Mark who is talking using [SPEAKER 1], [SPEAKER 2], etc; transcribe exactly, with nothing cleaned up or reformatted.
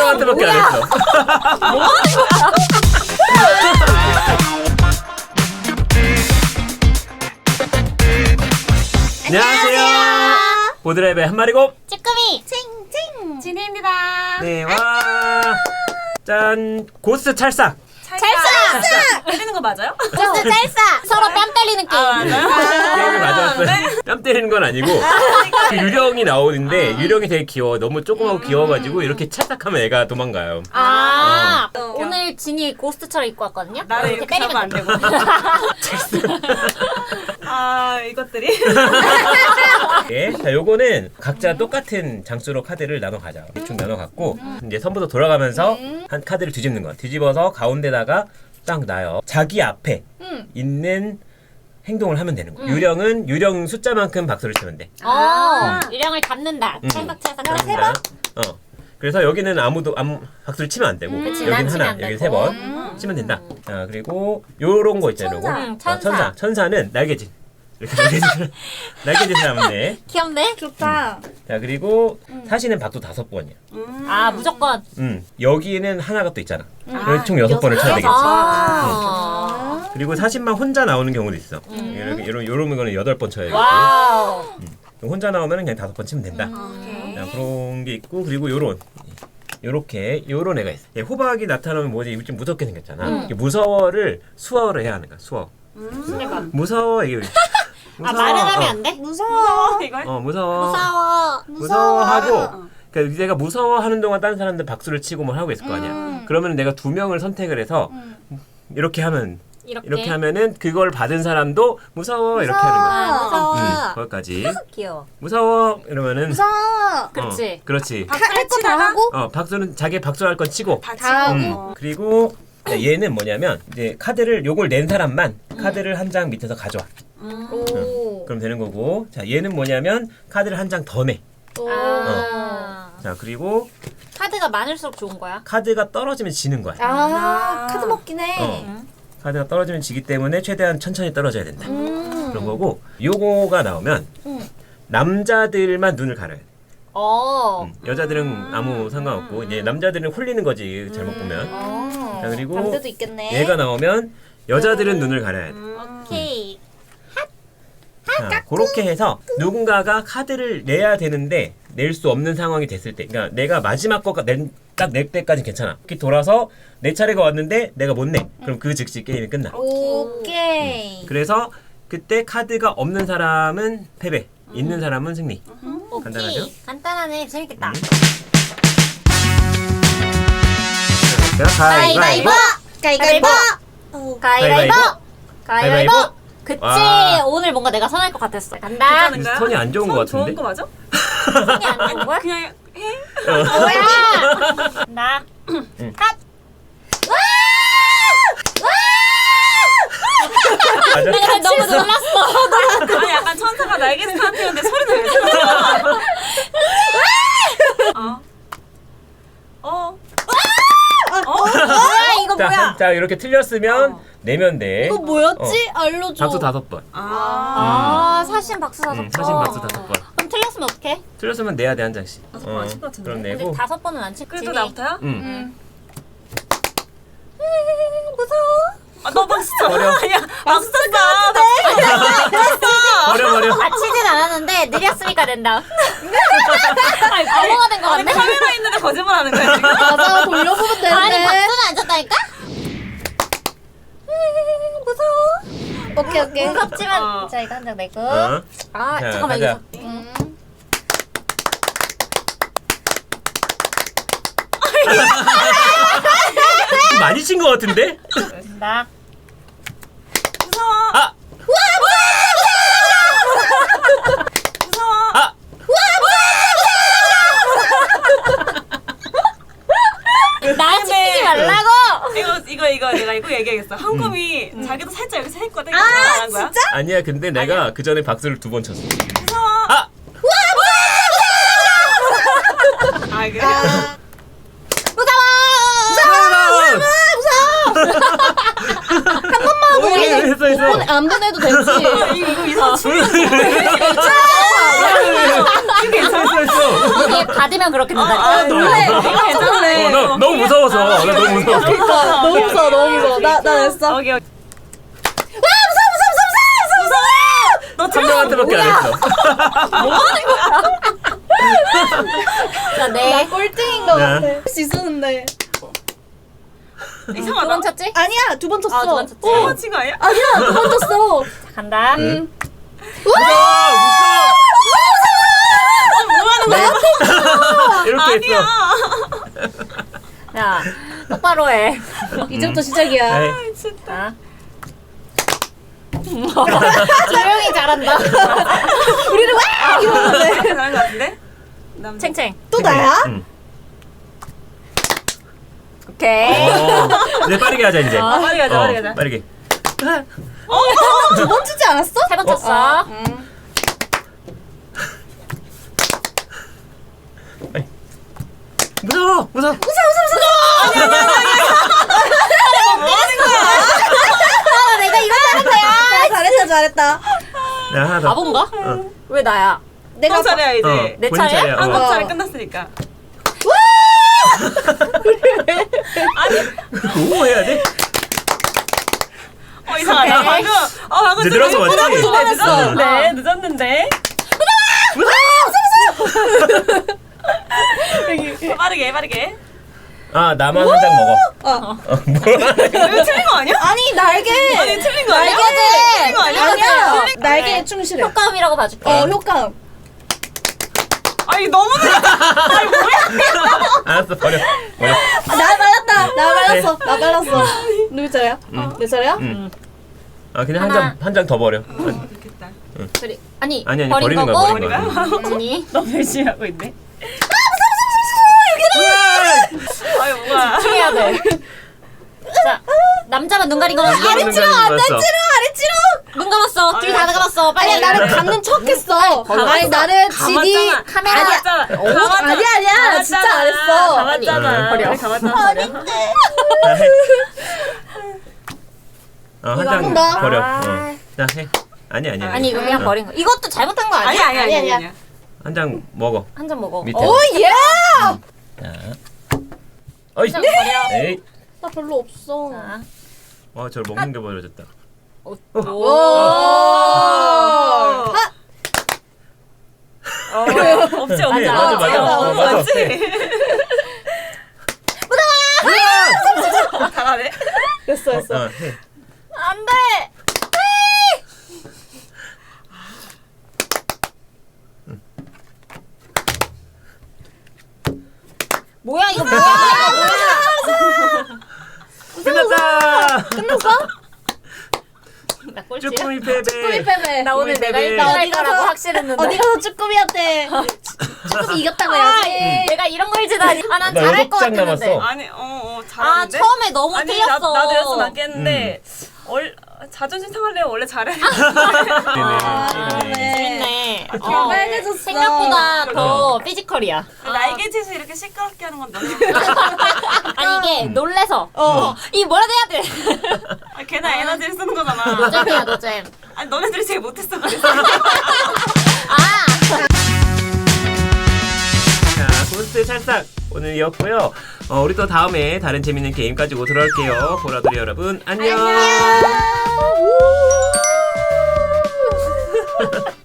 [SPEAKER 1] 사람한테밖에 안 했어.
[SPEAKER 2] 뭐 하는 거야?
[SPEAKER 1] 안녕하세요. 보드랩의 한 마리고
[SPEAKER 3] 쭈꾸미
[SPEAKER 2] 칭칭 진희입니다.
[SPEAKER 1] 네, 와. 짠. 고스트 찰싹.
[SPEAKER 3] 찰싹!
[SPEAKER 2] 때리는 거 맞아요?
[SPEAKER 3] 고스트 찰싹! 서로 뺨 때리는 게임.
[SPEAKER 2] 아, 맞아요?
[SPEAKER 1] 게임이 맞았어요. 뺨 때리는 건 아니고 그 유령이 나오는데 유령이 되게 귀여워. 너무 조그맣고 귀여워가지고 이렇게 찰싹하면 애가 도망가요.
[SPEAKER 3] 아,
[SPEAKER 2] 어.
[SPEAKER 3] 오늘 진이 고스트처럼 입고 왔거든요.
[SPEAKER 2] 나를 이렇게
[SPEAKER 3] 때리면
[SPEAKER 2] 하면 안 되고. 아, 이것들이.
[SPEAKER 1] 예, 자, 요거는 각자 똑같은 장수로 카드를 나눠 가자. 대충 나눠 갖고 이제 선부터 돌아가면서 한 카드를 뒤집는 거. 뒤집어서 가운데다가 딱 놔요. 자기 앞에
[SPEAKER 3] 음.
[SPEAKER 1] 있는 행동을 하면 되는 거야. 유령은 유령 숫자만큼 박수를 치면 돼.
[SPEAKER 3] 어, 유령을 잡는다.
[SPEAKER 1] 음.
[SPEAKER 3] 찰싹 찰싹.
[SPEAKER 1] 세 번? 어. 그래서 여기는 아무도 아무 박수를 치면 안 되고
[SPEAKER 3] 그치, 난
[SPEAKER 1] 여기는
[SPEAKER 3] 치면
[SPEAKER 1] 하나,
[SPEAKER 3] 안
[SPEAKER 1] 여기
[SPEAKER 3] 되고.
[SPEAKER 1] 세 번
[SPEAKER 3] 음.
[SPEAKER 1] 치면 된다. 자, 그리고 요런 거 있잖아요.
[SPEAKER 2] 천사.
[SPEAKER 1] 요거.
[SPEAKER 3] 응,
[SPEAKER 1] 어,
[SPEAKER 3] 천사.
[SPEAKER 1] 천사. 천사는 날개짓. 이렇게 날개짓을 날개짓을 하면 돼.
[SPEAKER 3] 귀엽네.
[SPEAKER 2] 좋다.
[SPEAKER 1] 자, 그리고 사시는 박수 다섯 번이야.
[SPEAKER 2] 음.
[SPEAKER 3] 아, 무조건.
[SPEAKER 1] 음. 여기는 하나가 또 있잖아.
[SPEAKER 2] 아,
[SPEAKER 1] 그래서 총 여섯 번을 쳐야 되겠지.
[SPEAKER 3] 아.
[SPEAKER 1] 그리고 사신만 혼자 나오는 경우도 있어.
[SPEAKER 3] 음.
[SPEAKER 1] 이런 이런 이런 거는 여덟 번 쳐야겠고.
[SPEAKER 3] 와우.
[SPEAKER 1] 혼자 나오면 그냥 다섯 번 치면 된다.
[SPEAKER 2] 오케이.
[SPEAKER 1] 자, 그런 게 있고 그리고 요런 요렇게 요런 애가 있어. 얘 호박이 나타나면 뭐지? 이거 좀 무섭게 생겼잖아.
[SPEAKER 3] 음.
[SPEAKER 1] 이게 무서워를 수어를 해야 하는 거야. 수어.
[SPEAKER 2] 음.
[SPEAKER 1] 무서워 이게.
[SPEAKER 3] 아, 말은 하면 안 돼?
[SPEAKER 2] 무서워. 이걸?
[SPEAKER 1] 어, 어 무서워.
[SPEAKER 3] 무서워.
[SPEAKER 1] 무서워하고.
[SPEAKER 2] 어.
[SPEAKER 1] 그러니까 내가 무서워하는 동안 다른 사람들 박수를 치고 뭘 하고 있을 거 아니야.
[SPEAKER 3] 음.
[SPEAKER 1] 그러면 내가 두 명을 선택을 해서 이렇게 하면
[SPEAKER 3] 이렇게.
[SPEAKER 1] 이렇게 하면은 그걸 받은 사람도 무서워 이렇게 하는 거야.
[SPEAKER 3] 아, 무서워.
[SPEAKER 1] 음, 거기까지.
[SPEAKER 3] 귀여워.
[SPEAKER 1] 무서워 이러면은
[SPEAKER 2] 무서워.
[SPEAKER 3] 그렇지.
[SPEAKER 1] 어, 그렇지.
[SPEAKER 2] 박수를 치다가
[SPEAKER 1] 어, 박수는 자기 박수할 건 치고.
[SPEAKER 2] 다
[SPEAKER 3] 다
[SPEAKER 2] 치고.
[SPEAKER 1] 음.
[SPEAKER 2] 어.
[SPEAKER 1] 그리고 얘는 뭐냐면 이제 카드를 요걸 낸 사람만 카드를 한 장 밑에서 가져와.
[SPEAKER 2] 음.
[SPEAKER 3] 오.
[SPEAKER 1] 그럼 되는 거고. 자, 얘는 뭐냐면 카드를 한 장 더 내.
[SPEAKER 3] 아.
[SPEAKER 1] 자, 그리고
[SPEAKER 3] 카드가 많을수록 좋은 거야?
[SPEAKER 1] 카드가 떨어지면 지는 거야.
[SPEAKER 2] 아,
[SPEAKER 4] 카드 먹긴 해.
[SPEAKER 1] 어. 카드가 떨어지면 지기 때문에 최대한 천천히 떨어져야 된다.
[SPEAKER 4] 음.
[SPEAKER 1] 그런 거고. 요거가 나오면 남자들만 눈을 가려야 돼.
[SPEAKER 3] 어.
[SPEAKER 1] 음, 여자들은 아무 상관없고 이제 남자들은 홀리는 거지 잘못 보면.
[SPEAKER 4] 어.
[SPEAKER 1] 자, 그리고
[SPEAKER 4] 남자도 있겠네.
[SPEAKER 1] 얘가 나오면 여자들은 눈을 가려야 돼.
[SPEAKER 3] 오케이.
[SPEAKER 1] 자, 그렇게 해서 누군가가 카드를 내야 되는데 낼 수 없는 상황이 됐을 때, 그러니까 내가 마지막 거가 딱 낼 때까지 괜찮아. 이렇게 돌아서 내 차례가 왔는데 내가 못 내. 그럼 그 즉시 게임이 끝나.
[SPEAKER 4] 오케이.
[SPEAKER 1] 그래서 그때 카드가 없는 사람은 패배, 있는 사람은 승리.
[SPEAKER 3] 오케이.
[SPEAKER 1] 간단하죠?
[SPEAKER 3] 간단하네. 재밌겠다.
[SPEAKER 1] 자, 가위바위보.
[SPEAKER 4] 가위바위보.
[SPEAKER 3] 가위바위보.
[SPEAKER 1] 가위바위보.
[SPEAKER 3] 가위바위보. 그치.
[SPEAKER 1] 와.
[SPEAKER 3] 오늘 뭔가 내가 선할 것 같았어. 간다.
[SPEAKER 2] 괜찮은가요?
[SPEAKER 1] 스톤이 안 좋은 것
[SPEAKER 2] 손
[SPEAKER 1] 같은데?
[SPEAKER 2] 좋은 거 맞아?
[SPEAKER 3] 손이 안 좋은 거야?
[SPEAKER 2] 그냥 해?
[SPEAKER 3] 뭐야? 나.
[SPEAKER 1] 응.
[SPEAKER 3] 핫.
[SPEAKER 1] 맞아?
[SPEAKER 3] 내가 너무 놀랐어.
[SPEAKER 2] 아니 약간 천사가 날개에서 타는데 소리는 왜 들어? 어. 어. 어.
[SPEAKER 3] 뭐야 이거
[SPEAKER 1] 자,
[SPEAKER 3] 뭐야?
[SPEAKER 1] 한- 자, 이렇게 틀렸으면
[SPEAKER 2] 어.
[SPEAKER 1] 내면 돼.
[SPEAKER 4] 이거 뭐였지? 알려줘.
[SPEAKER 1] 박수 다섯 번.
[SPEAKER 2] 아.
[SPEAKER 3] 아 사신 박수 다섯
[SPEAKER 1] 응,
[SPEAKER 3] 번.
[SPEAKER 1] 사신 박수 다섯 번.
[SPEAKER 3] 그럼 틀렸으면 어떡해?
[SPEAKER 1] 틀렸으면 내야 돼 한 장씩.
[SPEAKER 2] 다섯 번안칠것 같은데?
[SPEAKER 1] 그럼
[SPEAKER 3] 근데
[SPEAKER 1] 내고.
[SPEAKER 3] 다섯 번은 안 칠지.
[SPEAKER 2] 그래도 나부터요?
[SPEAKER 1] 응.
[SPEAKER 3] 무서워.
[SPEAKER 2] 아, 너 박수 쳐.
[SPEAKER 1] 버려.
[SPEAKER 2] 아니야. 박수 쳤어.
[SPEAKER 1] 버려 버려.
[SPEAKER 3] 아 치진 않았는데 느렸으니까 된다. 아니 바보가 된 거
[SPEAKER 2] 아니
[SPEAKER 3] 같네.
[SPEAKER 2] 카메라 있는데 거짓말 하는 거야 지금?
[SPEAKER 4] 맞아, 돌려보면 되는데.
[SPEAKER 3] 아니 박수는 안 쳤다니까? 무서워.
[SPEAKER 4] 오케이, 오케이.
[SPEAKER 3] 무섭지만
[SPEAKER 2] 어.
[SPEAKER 3] 자 이거 한 장 내고.
[SPEAKER 1] 어.
[SPEAKER 3] 아
[SPEAKER 1] 자,
[SPEAKER 3] 잠깐만
[SPEAKER 1] 가자.
[SPEAKER 3] 이거.
[SPEAKER 4] 음.
[SPEAKER 1] 좀 많이 친 것 같은데?
[SPEAKER 3] 나.
[SPEAKER 2] 무서워.
[SPEAKER 1] 아,
[SPEAKER 2] 무서워.
[SPEAKER 1] 아.
[SPEAKER 3] 나 시키지 말라고.
[SPEAKER 2] 이거 이거 이거 내가 이거 얘기하겠어. 한금이 자기도 살짝 이렇게 했거든. 아
[SPEAKER 4] 진짜?
[SPEAKER 1] 아니야. 근데 내가 그 전에 박수를 두 번 쳤어.
[SPEAKER 2] 무서워.
[SPEAKER 1] 아,
[SPEAKER 2] 아 이게
[SPEAKER 4] 아,
[SPEAKER 1] 어, 했어 했어.
[SPEAKER 4] 안 보내도 되지.
[SPEAKER 2] 이거 이거 이상한 춤이
[SPEAKER 1] 했어 했어 했어.
[SPEAKER 3] 이게 받은 던지면 그렇게
[SPEAKER 2] 아,
[SPEAKER 3] 된다니까.
[SPEAKER 4] 놀래.
[SPEAKER 2] 이거 괜찮네.
[SPEAKER 1] 어, 나 너무 무서워서. 나 너무 무서워서.
[SPEAKER 4] 그러니까 너무 무서워 너무 무서워. 나 나 냈어.
[SPEAKER 2] 여기 여기.
[SPEAKER 4] 와 무서워 무서워 무서워 무서워 무서워.
[SPEAKER 2] 너
[SPEAKER 1] 한
[SPEAKER 2] 틀렸어.
[SPEAKER 1] 명한테밖에 안 했어.
[SPEAKER 3] 자,
[SPEAKER 4] 나
[SPEAKER 3] 네.
[SPEAKER 4] 꼴등인 것
[SPEAKER 1] 네.
[SPEAKER 4] 같아. 할 수 있었는데.
[SPEAKER 3] 두
[SPEAKER 2] 이상하다.
[SPEAKER 3] 번 쳤지?
[SPEAKER 4] 아니야 두 번 쳤어.
[SPEAKER 3] 아, 두 번 쳤지.
[SPEAKER 2] 어, 친구 아니야?
[SPEAKER 4] 아니야 두 번 쳤어.
[SPEAKER 3] 자, 간다.
[SPEAKER 4] 음.
[SPEAKER 2] 뭐 하는 거야?
[SPEAKER 1] 이렇게 했어.
[SPEAKER 3] 야, 똑바로 해.
[SPEAKER 4] 이제부터 시작이야.
[SPEAKER 1] 네.
[SPEAKER 3] 자. 조용히 잘한다.
[SPEAKER 4] 우리는 와 이러는데.
[SPEAKER 2] 잘한 거 같은데? 남자.
[SPEAKER 3] 챙챙.
[SPEAKER 4] 또 나야?
[SPEAKER 1] 응.
[SPEAKER 3] 오케이.
[SPEAKER 1] 어, 이제 빠르게 하자 이제.
[SPEAKER 2] 아, 빨리 가자,
[SPEAKER 1] 어,
[SPEAKER 2] 빨리 가자.
[SPEAKER 1] 빠르게.
[SPEAKER 4] 두 번 치지 않았어?
[SPEAKER 3] 세 번 쳤어.
[SPEAKER 1] 무서워, 무서워.
[SPEAKER 3] 아, 내가 이거 하는 거야.
[SPEAKER 4] 아, 잘했다 잘했다.
[SPEAKER 1] 야, 하나 더.
[SPEAKER 3] 바본가?
[SPEAKER 1] 어.
[SPEAKER 3] 왜 나야?
[SPEAKER 4] 내가
[SPEAKER 2] 한 차례야 이제.
[SPEAKER 1] 어,
[SPEAKER 3] 내
[SPEAKER 1] 본인
[SPEAKER 3] 차례야?
[SPEAKER 1] 차례야. 어.
[SPEAKER 2] 한국
[SPEAKER 4] 어.
[SPEAKER 2] 차례 끝났으니까.
[SPEAKER 1] 오 해야 돼?
[SPEAKER 2] 어 이상하다.
[SPEAKER 3] 오케이.
[SPEAKER 2] 방금 어 방금
[SPEAKER 1] 이제 늘어서 왔지?
[SPEAKER 2] 두 번 했어.
[SPEAKER 1] 응.
[SPEAKER 2] 네 늦었는데. 빠르게 빠르게.
[SPEAKER 1] 아, 나만 한 장 먹어.
[SPEAKER 4] 어.
[SPEAKER 1] 어, 뭐야?
[SPEAKER 2] 이거 틀린 거 아니야?
[SPEAKER 4] 아니 날개.
[SPEAKER 2] 아니 틀린 거 아니야?
[SPEAKER 3] 날개지.
[SPEAKER 2] 틀린 거 아니야?
[SPEAKER 4] 아니야.
[SPEAKER 2] 틀린-
[SPEAKER 4] 날개에 충실해.
[SPEAKER 3] 효과음이라고 봐줄게.
[SPEAKER 4] 어 효과음.
[SPEAKER 2] 아니 너무 늦었다. 아니 뭐야?
[SPEAKER 1] 알았어, 버려. 버려.
[SPEAKER 4] 아, 나 말랐다. 나 말랐어. 나 말랐어. 누구 차례야?
[SPEAKER 1] 응.
[SPEAKER 4] 내 차례야?
[SPEAKER 1] 응. 아, 그냥 한
[SPEAKER 3] 하나.
[SPEAKER 1] 장, 한 장 더 버려.
[SPEAKER 2] 좋겠다.
[SPEAKER 3] 그래. 아니,
[SPEAKER 1] 아니, 아니,
[SPEAKER 3] 버린
[SPEAKER 1] 버리는 거야,
[SPEAKER 3] 거고.
[SPEAKER 1] 버리는 거야.
[SPEAKER 3] 언니.
[SPEAKER 2] 너무 열심히 하고 있네.
[SPEAKER 1] 으아!
[SPEAKER 2] 아유 뭐야?
[SPEAKER 3] 해야 돼. 자, 남자만 눈 가린 거
[SPEAKER 1] 남자만
[SPEAKER 3] 아래
[SPEAKER 1] 눈
[SPEAKER 3] 찌러,
[SPEAKER 1] 가린 거
[SPEAKER 3] 안
[SPEAKER 1] 봤어.
[SPEAKER 3] 찌러, 아래 찌러. 눈 감았어. 둘 다 감았어. 빨리.
[SPEAKER 4] 아니야 나를 감는 척했어. 아니 나는 지디
[SPEAKER 2] 감았잖아.
[SPEAKER 3] 카메라.
[SPEAKER 2] 감았잖아.
[SPEAKER 4] 아니야 아니야 진짜 안 했어.
[SPEAKER 2] 감았잖아.
[SPEAKER 1] 버려.
[SPEAKER 2] 우리 감았잖아. 버려.
[SPEAKER 1] 자, 해. 어, 한
[SPEAKER 4] 이거
[SPEAKER 1] 장
[SPEAKER 4] 한다.
[SPEAKER 1] 버려.
[SPEAKER 3] 아.
[SPEAKER 1] 어. 자, 해. 아니, 아니.
[SPEAKER 3] 아니, 이거 그냥 버린 거. 이것도 잘못한 거 아니야?
[SPEAKER 2] 아니야 아니야
[SPEAKER 4] 아니야,
[SPEAKER 2] 아니야.
[SPEAKER 4] 아니야.
[SPEAKER 1] 한 장 먹어.
[SPEAKER 3] 한 잔 먹어.
[SPEAKER 1] 밑에.
[SPEAKER 4] 오 예.
[SPEAKER 1] 자. 어이.
[SPEAKER 3] 한 잔 버려.
[SPEAKER 1] 에이.
[SPEAKER 4] 나 별로 없어.
[SPEAKER 3] 자.
[SPEAKER 1] 와, 저를 먹는 게 버려졌다.
[SPEAKER 3] 오.
[SPEAKER 4] 오.
[SPEAKER 3] 오.
[SPEAKER 4] 하.
[SPEAKER 2] 어, 없지 없지.
[SPEAKER 1] 해, 맞아, 맞아.
[SPEAKER 2] 없지.
[SPEAKER 1] 어, 맞아.
[SPEAKER 2] 없지.
[SPEAKER 1] 해.
[SPEAKER 2] 다 가네.
[SPEAKER 4] 됐어
[SPEAKER 1] 어,
[SPEAKER 4] 됐어.
[SPEAKER 1] 어, 해.
[SPEAKER 3] 안 돼. 뭐야 이거 뭐야?
[SPEAKER 1] 끝났다.
[SPEAKER 4] 끝났어?
[SPEAKER 3] 나 꼴찌야?
[SPEAKER 1] 쭈꾸미 패배.
[SPEAKER 4] 쭈꾸미 패배.
[SPEAKER 3] 나 오늘 내가
[SPEAKER 1] 패배.
[SPEAKER 3] 일 등 할
[SPEAKER 4] 어디 가서-
[SPEAKER 3] 거라고 확실했는데.
[SPEAKER 4] 어디 가서 쭈꾸미한테 쭈꾸미 이겼다고 해야지.
[SPEAKER 3] 내가 이런 걸 지다니. 아, 난
[SPEAKER 1] 나
[SPEAKER 3] 잘할
[SPEAKER 1] 여섯
[SPEAKER 3] 것
[SPEAKER 1] 장
[SPEAKER 3] 같았는데.
[SPEAKER 1] 남았어.
[SPEAKER 2] 아니 어어
[SPEAKER 3] 아,
[SPEAKER 2] 잘하는데.
[SPEAKER 3] 처음에 너무
[SPEAKER 2] 아니
[SPEAKER 3] 틀렸어.
[SPEAKER 2] 나, 나도 였어 맞겠는데 얼 자존심 상할래요 원래 잘해.
[SPEAKER 4] 아,
[SPEAKER 1] 네.
[SPEAKER 4] 네.
[SPEAKER 3] 재밌네.
[SPEAKER 4] 귀가 빨개졌어.
[SPEAKER 3] 생각보다 더 피지컬이야.
[SPEAKER 2] 날개짓을 이렇게 시끄럽게 하는 건 너무.
[SPEAKER 3] 아니 이게 놀래서.
[SPEAKER 4] 어.
[SPEAKER 3] 이 뭐라도 해야 돼.
[SPEAKER 2] 아, 걔나 에너지를 쓰는 거잖아.
[SPEAKER 3] 노잼이야 노잼.
[SPEAKER 2] 아니 너네들이 제일 못했어 그래서.
[SPEAKER 3] 아.
[SPEAKER 1] 자, 고스트 찰싹 오늘이었고요. 어, 우리 또 다음에 다른 재밌는 게임 가지고 돌아올게요. 보라돌이 여러분 안녕.
[SPEAKER 4] 안녕.